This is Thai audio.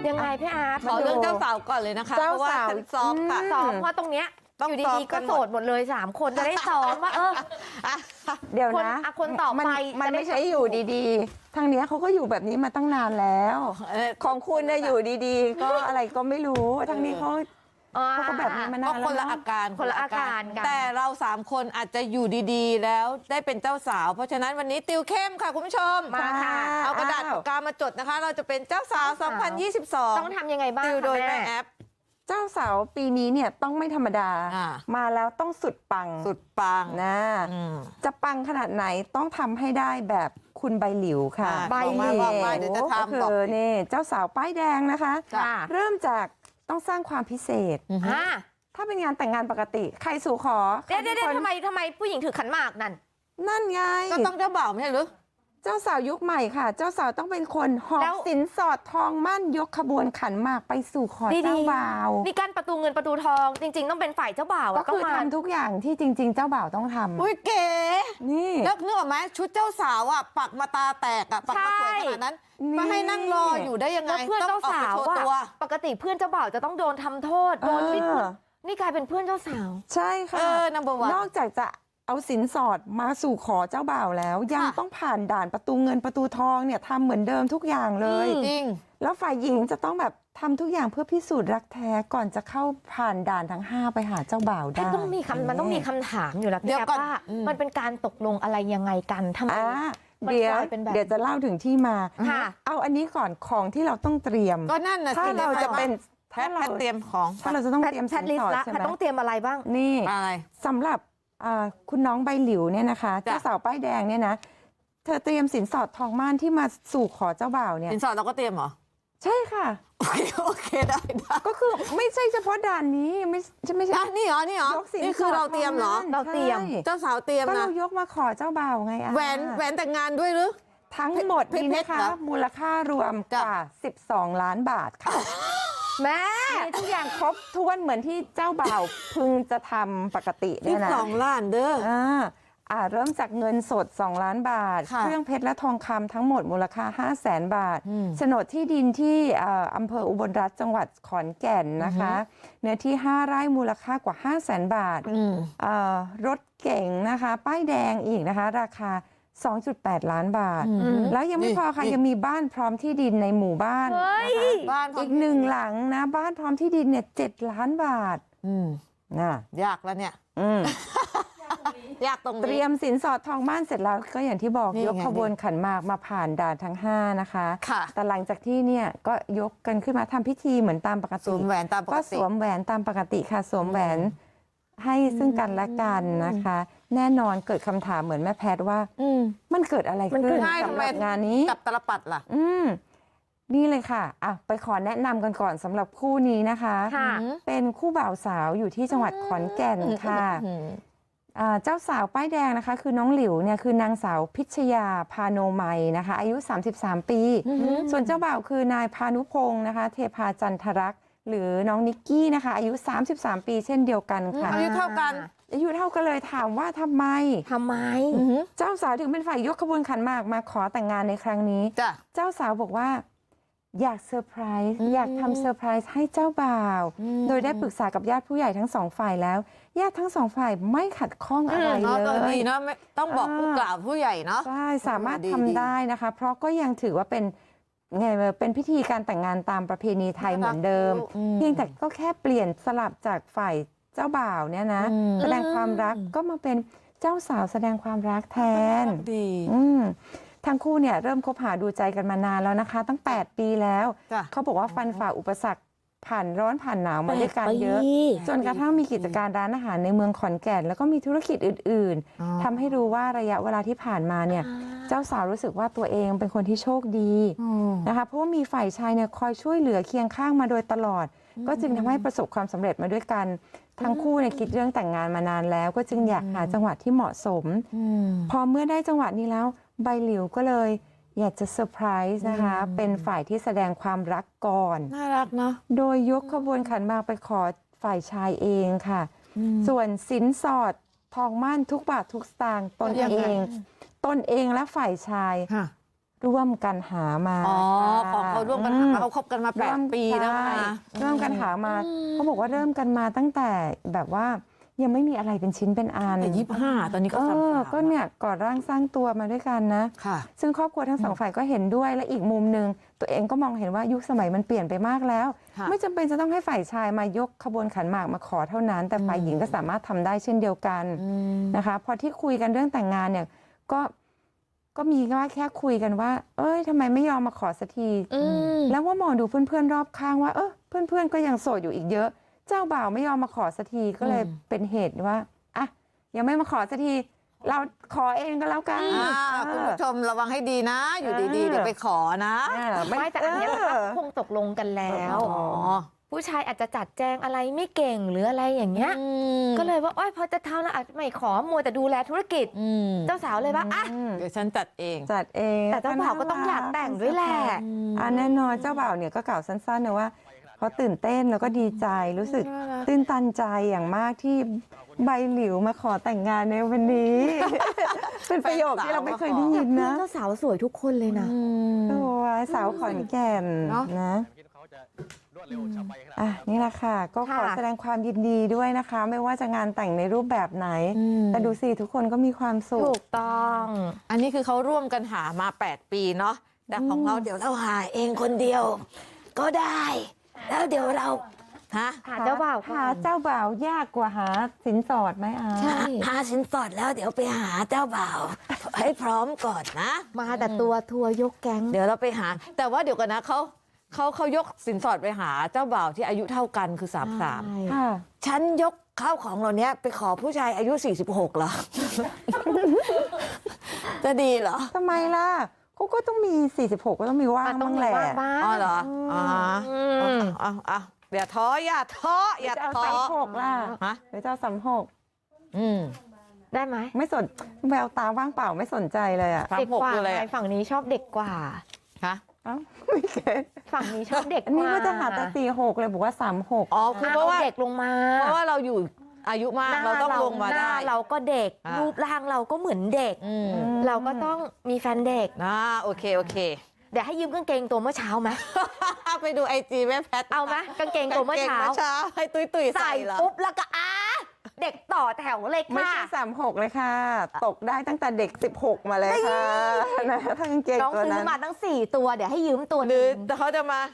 ยังไงพี่อาร์ตขอเรื่องเจ้าสาวก่อนเลยนะคะเพราะว่าฉันซ้อมค่ะซ้อมเพราะตรงเนี้ยอยู่ดีๆก็โสดหมดเลย3 คนจะได้ซ้อมว่าเดี๋ยวนะคนต่อไปมันไม่ใช่อยู่ดีๆทางเนี้ยเขาก็อยู่แบบนี้มาตั้งนานแล้วของคุณเนี่ยอยู่ดีๆ ก็อะไรก็ไม่รู้ทางนี้เขาก็แบบนี้มานานแล้วคนละอาการคนละอาการกันแต่เรา3 คนอาจจะอยู่ดีๆ แล้วได้เป็นเจ้าสาวเพราะฉะนั้นวันนี้ติวเข้มค่ะคุณผู้ชมมาค่ะเอากระดาษปากกามาจดนะคะ เราจะเป็นเจ้าสาว 2022 ต้องทำยังไงบ้างติวโดยแม่แอปเจ้าสาวปีนี้เนี่ยต้องไม่ธรรมดา มาแล้วต้องสุดปังสุดปังนะจะปังขนาดไหนต้องทำให้ได้แบบคุณใบหลิวค่ะใบหลิวเดี๋ยวจะทำก็คือนี่เจ้าสาวป้ายแดงนะคะจ้ะเริ่มจากต้องสร้างความพิเศษ ถ้าเป็นงานแต่งงานปกติใครสู่ขอเดี๋ยวทำไมผู้หญิงถือขันหมากนั่นไงก็ต้องเจ้าบ่าวไม่ใช่หรือเจ้าสาวยุคใหม่ค่ะ เจ้าสาวต้องเป็นคนหอบสินสอดทองมั่นยกขบวนขันหมากไปสู่ขอเจ้าบ่าวนี่กั้นประตูเงินประตูทองจริงๆต้องเป็นฝ่ายเจ้าบ่าวก็คือทำทุกอย่างที่จริง ๆ เจ้าบ่าวต้องทำอุ้ยเก๋นี่แล้วนึกออกไหมชุดเจ้าสาวอ่ะปักมาตาแตกอ่ะปักมาสวยขนาดนั้นมาให้นั่งรออยู่ได้ยังไงเพื่อนเจ้าสาวตัวปกติเพื่อนเจ้าบ่าวจะต้องโดนทำโทษโดนนี่กลายเป็นเพื่อนเจ้าสาวใช่ค่ะ number one นอกจากจะเอาสินสอดมาสู่ขอเจ้าบ่าวแล้ว ยังต้องผ่านด่านประตูเงินประตูทองเนี่ยทำเหมือนเดิมทุกอย่างเลยจริงแล้วฝ่ายหญิงจะต้องแบบทำทุกอย่างเพื่อพิสูจน์รักแท้ก่อนจะเข้าผ่านด่านทั้ง5ไปหาเจ้าบ่าวได้มันต้องมีคำถามอยู่แล้วพี่แอฟว่ามันเป็นการตกลงอะไรยังไงกันทำไมเดี๋ยวจะเล่าถึงที่มาเอาอันนี้ก่อนของที่เราต้องเตรียมก็นั่นน่ะถ้าเราจะเป็นแพทเตรียมของถ้าเราจะต้องเตรียมสินสอดใช่ไหมต้องเตรียมอะไรบ้างนี่อะไรสำหรับคุณน้องใบหลิวเนี่ยนะคะเจ้าสาวป้ายแดงเนี่ยนะเธอเตรียมสินสอดทองม่านที่มาสู่ขอเจ้าบ่าวเนี่ยสินสอดเราก็เตรียมเหรอใช่ค่ะโอเคได้ก็คือไม่ใช่เฉพาะด่านนี้ไม่ใช่นี่เหรอนี่คือเราเตรียมเหรอเราเตรียมเจ้าสาวเตรียมนะก็เรายกมาขอเจ้าบ่าวไงแหวนแต่งงานด้วยหรือทั้งหมดนี่นะคะมูลค่ารวมกว่า12 ล้านบาทค่ะแม่ทุกอย่างครบถ้วนเหมือนที่เจ้าบ่าวพึงจะทำปกติเนี่ยนะ 12 ล้านเด้อเริ่มจากเงินสด2 ล้านบาทเครื่องเพชรและทองคำทั้งหมดมูลค่า 500,000 บาทโฉนดที่ดินที่อำเภออุบลรัตน์จังหวัดขอนแก่นนะคะเนื้อที่5 ไร่มูลค่ากว่า 500,000 บาทรถเก๋งนะคะป้ายแดงอีกนะคะราคา2.8 ล้านบาทแล้วยังไม่พอค่ะยังมีบ้านพร้อมที่ดินในหมู่บ้านบ้านอีก1 หลังนะบ้านพร้อมที่ดินเนี่ย7 ล้านบาทน่ะยากแล้วเนี่ยยากตรงนี้เตรียมสินสอดทองม่านเสร็จแล้วก็อย่างที่บอกยกขบวนขันหมากมาผ่านด่านทั้ง5นะคะแต่หลังจากที่เนี่ยก็ยกกันขึ้นมาทำพิธีเหมือนตามปกติสวมแหวนตามปกติก็สวมแหวนตามปกติค่ะสวมแหวนให้ซึ่งกันและกันนะคะแน่นอนเกิดคำถามเหมือนแม่แพทย์ว่ามันเกิดอะไรขึ้นสำหรับงานนี้กับตลปัดล่ะนี่เลยค่ะไปขอแนะนำกันก่อนสำหรับคู่นี้นะคะเป็นคู่บ่าวสาวอยู่ที่จังหวัดขอนแก่นค่ะเจ้าสาวป้ายแดงนะคะคือน้องหลิวเนี่ยคือนางสาวพิชยาพาโนไมนะคะอายุ33 ปีส่วนเจ้าบ่าวคือนายพานุพงศ์นะคะเทพาจันทรักษ์หรือน้องนิกกี้นะคะอายุ33 ปีเช่นเดียวกันค่ะอายุเท่ากันเลยถามว่าทำไมเจ้าสาวถึงเป็นฝ่ายยกขบวนขันหมากมาขอแต่งงานในครั้งนี้เจ้าสาวบอกว่าอยากเซอร์ไพรส์อยากทำเซอร์ไพรส์ให้เจ้าบ่าวโดยได้ปรึกษากับญาติผู้ใหญ่ทั้ง2 ฝ่ายแล้วญาติทั้ง2 ฝ่ายไม่ขัดข้องอะไรเลยเนาะต้องบอกผู้กล่าวผู้ใหญ่เนาะใช่สามารถทำได้นะคะเพราะก็ยังถือว่าเป็นพิธีการแต่งงานตามประเพณีไทยเหมือนเดิมเพียงแต่ก็แค่เปลี่ยนสลับจากฝ่ายเจ้าบ่าวเนี่ยนะแสดงความรักก็มาเป็นเจ้าสาวแสดงความรักแทนดีทั้งคู่เนี่ยเริ่มคบหาดูใจกันมานานแล้วนะคะตั้ง8 ปีแล้วเขาบอกว่าฟันฝ่าอุปสรรคผ่านร้อนผ่านหนาวมาด้วยกันเยอะจนกระทั่งมีกิจการร้านอาหารในเมืองขอนแก่นแล้วก็มีธุรกิจอื่นๆทำให้รู้ว่าระยะเวลาที่ผ่านมาเนี่ยเจ้าสาวรู้สึกว่าตัวเองเป็นคนที่โชคดีนะคะเพราะว่ามีฝ่ายชายเนี่ยคอยช่วยเหลือเคียงข้างมาโดยตลอดก็จึงทำให้ประสบความสำเร็จมาด้วยกันทั้งคู่เนี่ยคิดเรื่องแต่งงานมานานแล้วก็จึงอยากหาจังหวะที่เหมาะสมพอเมื่อได้จังหวะนี้แล้วใบหลิวก็เลยอยากจะเซอร์ไพรส์นะคะเป็นฝ่ายที่แสดงความรักก่อนน่ารักเนาะโดยยกขบวนขันหมากไปขอฝ่ายชายเองค่ะส่วนสินสอดทองมั่นทุกบาททุกสตางค์ตนเองและฝ่ายชายร่วมกันหามาอ๋อของเขาร่วมกันหามาเขาคบกันมา8 ปีแล้วนะเริ่มกันหามาเขาบอกว่าเริ่มกันมาตั้งแต่แบบว่ายังไม่มีอะไรเป็นชิ้นเป็นอันแต่25 ตอนนี้ก็33 ก็เนี่ยก่อร่างสร้างตัวมาด้วยกันนะค่ะซึ่งครอบครัวทั้งสองฝ่ายก็เห็นด้วยและอีกมุมหนึ่งตัวเองก็มองเห็นว่ายุคสมัยมันเปลี่ยนไปมากแล้วค่ะไม่จำเป็นจะต้องให้ฝ่ายชายมายกขบวนขันหมากมาขอเท่านั้น แต่ฝ่ายหญิงก็สามารถทำได้เช่นเดียวกันนะคะพอที่คุยกันเรื่องแต่งงานเนี่ยก็มีว่าแค่คุยกันว่า เอ้ยทำไมไม่ยอมมาขอสักทีแล้วว่ามองดูเพื่อนๆรอบข้างว่าเพื่อนๆก็ยังโสดอยู่อีกเยอะ เจ้าบ่าวไม่ยอมมาขอสักทีก็เลยเป็นเหตุว่าอ่ะยังไม่มาขอสักทีเราขอเองก็แล้วกันคุณผู้ชมระวังให้ดีนะ อยู่ดีๆเดี๋ยวไปขอนะไม่แต่อันเนี้ยคงตกลงกันแล้วอ๋อผู้ชายอาจจะจัดแจงอะไรไม่เก่งหรืออะไรอย่างเงี้ยก็เลยว่าโอ๊ยพอจะทำแล้วอาจจะไม่ขอมัวแต่ดูแลธุรกิจเจ้าสาวเลยว่าอ่ะเดี๋ยวฉันจัดเองจัดเองแต่เจ้าบ่าวก็ต้องอยากแต่งด้วยแหละแน่นอนเจ้าบ่าวเนี่ยก็กล่าวสั้นๆนะว่าเขาตื่นเต้นแล้วก็ดีใจรู้สึกตื้นตันใจอย่างมากที่ใบหลิวมาขอแต่งงานในวันนี้ เป็นประโยคที่เราไม่เคยได้ยินนะเจ้าสาวสวยทุกคนเลยนะโอ้ยสาวขอนแก่นเนอะนะนี่แหละค่ะ ก็ขอค่ะแสดงความยินดีด้วยนะคะ ไม่ว่าจะงานแต่งในรูปแบบไหน แต่ดูสิทุกคนก็มีความสุถูขกต้องอันนี้คือเขาร่วมกันหามา8 ปีเนาะแต่ของเราเดี๋ยวเราหาเองคนเดียว ก็ได้ แล้วเดี๋ยวเราฮะหาเจ้าบ่าวก่อนหาเจ้าบ่าวยากกว่าหาสินสอดไหมอาใช่หาสินสอดแล้วเดี๋ยวไปหาเจ้าบ่าว ให้พร้อมก่อนนะมาแต่ตัวทัวร์ยกแก๊งเดี๋ยวเราไปหา แต่ว่าเดี๋ยวกันนะเขายกสินสอดไปหาเจ้าบ่าวที่อายุเท่ากันคือ33 ค่ะฉันยกข้าวของเหล่านี้ไปขอผู้ชายอายุ46เหรอ จะดีเหรอทำไมล่ะเขาก็ต้องมี 46 ก็ต้องมีว่างต้อบ้าง งแหละว่างบ้างอ๋อเหรออ๋อมเอาอย่าท้ออย่าท้ออย่าจะเอาท้อ 36ล่ะฮะหรือจะเอา36 อืมได้ไหมไม่สนแววตาว่างเปล่าไม่สนใจเลยอ่ะ 36 เด็กกว่าคืออะไรไงอะฝั่งนี้ชอบเด็กกว่าฮะเอ้าไม่เก็ตฝั่งนี้ชอบเด็กอันกนี้ว่าว่าจะหาแต่46เลยบอกว่า36 อ๋อคือเพราะว่าเด็กลงมาเพราะว่าเราอยู่อายุมากเราต้องลงมาหน้ได้เราก็เด็กอ่ารูรูปร่างเราก็เหมือนเด็กอืมเราก็ต้องมีแฟนเด็กโอเคเดี๋ยวให้ยืมกางเกงตัวเมื่อเช้าไหมไปดูไอจีแม่แพทเอาไหมกางเกงตัวเมื่อเช้าให้ตุ้ยใส่ใส่เหรอปุ๊บแล้วก็เด็กต่อแถวเลยไม่ค่ะใช่36เลยค่ะ ตกได้ตั้งแต่เด็ก16มาเลยค่ะนะถ้ากางเกงน้องตัวซื้อนั้นมาตั้ง4 ตัวเดี๋ยวให้ยืมตัวหรือนึงเขาจะมา